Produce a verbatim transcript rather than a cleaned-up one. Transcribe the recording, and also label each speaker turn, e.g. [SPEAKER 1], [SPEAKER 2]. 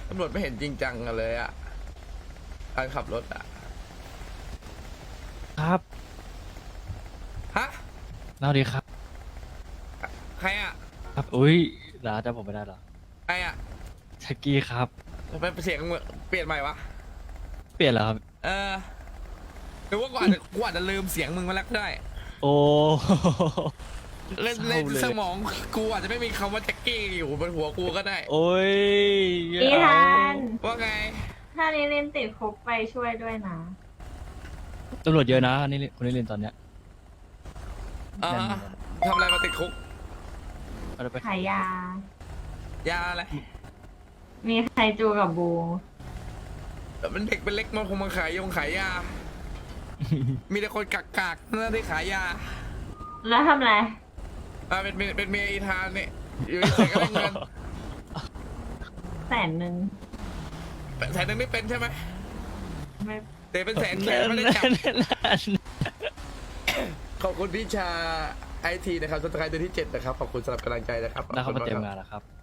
[SPEAKER 1] ตำรวจไม่เห็นจริงจังกันเลยอะการขับรถอะ
[SPEAKER 2] ครับ
[SPEAKER 1] ฮะ
[SPEAKER 2] เล่าดีครับ
[SPEAKER 1] ใครอะ
[SPEAKER 2] ครับอุ้ยร้าจำผมไม่ได้เหรอ
[SPEAKER 1] ใครอะ
[SPEAKER 2] แท็กกี้ครับ
[SPEAKER 1] ทำไมเสียงมึงเปลี่ยนใหม่วะ
[SPEAKER 2] เปลี่ยนแล้วครับ
[SPEAKER 1] เออหรือว่ากูอาจจะกูอาจจะลืมเสียงมึงมาแล้วก็ได้
[SPEAKER 2] โอ้
[SPEAKER 1] เล่น
[SPEAKER 2] เศร้า
[SPEAKER 1] เล่น
[SPEAKER 2] เลย
[SPEAKER 1] สมองกูอาจจะไม่มีคำว่าแจ็คกี้อยู่บนหัวกูก็ได้
[SPEAKER 2] โอ้ย
[SPEAKER 3] อีธาน
[SPEAKER 1] ว่าไง
[SPEAKER 3] ถ้าลิลินติดคุกไปช่วยด้วยนะ
[SPEAKER 2] ตำรวจเยอะนะนี่คนนี้เรียนตอนเนี้ย
[SPEAKER 1] เออ
[SPEAKER 2] นั่น
[SPEAKER 1] ทำอะไรมาติดคุก
[SPEAKER 2] เอาไป
[SPEAKER 3] ขายยา
[SPEAKER 1] ยาอะไร
[SPEAKER 3] มีใครจูกับบู
[SPEAKER 1] แต่มันเด็กเป็นเล็กมันคงมาขายยงขายยา มีแต่คนกักกากๆนั่นที่ขายยา
[SPEAKER 3] แล้วทำอะไร
[SPEAKER 1] อ่าเป็นเป็นเป็นเมียอีธานเนี่ยอยู่เฉยๆก็ได้เงิน
[SPEAKER 3] แสนหนึ่ง
[SPEAKER 1] แสนหนึ่งไม่เป็นใช่ไหม
[SPEAKER 3] ไม่
[SPEAKER 1] แต่เป็นแสนแขนไม่ได้จับ ขอบคุณพี่ชาไอทีนะครับสไตล์เดือนที่เจ็ดนะครับ ขอบคุณสำหรับกำลังใจนะครับ
[SPEAKER 2] ได้เข้า
[SPEAKER 1] ขอบ
[SPEAKER 2] มา
[SPEAKER 1] คุณ
[SPEAKER 2] เต็ม
[SPEAKER 1] กค
[SPEAKER 2] งา
[SPEAKER 1] รับ
[SPEAKER 2] นแล้วครับ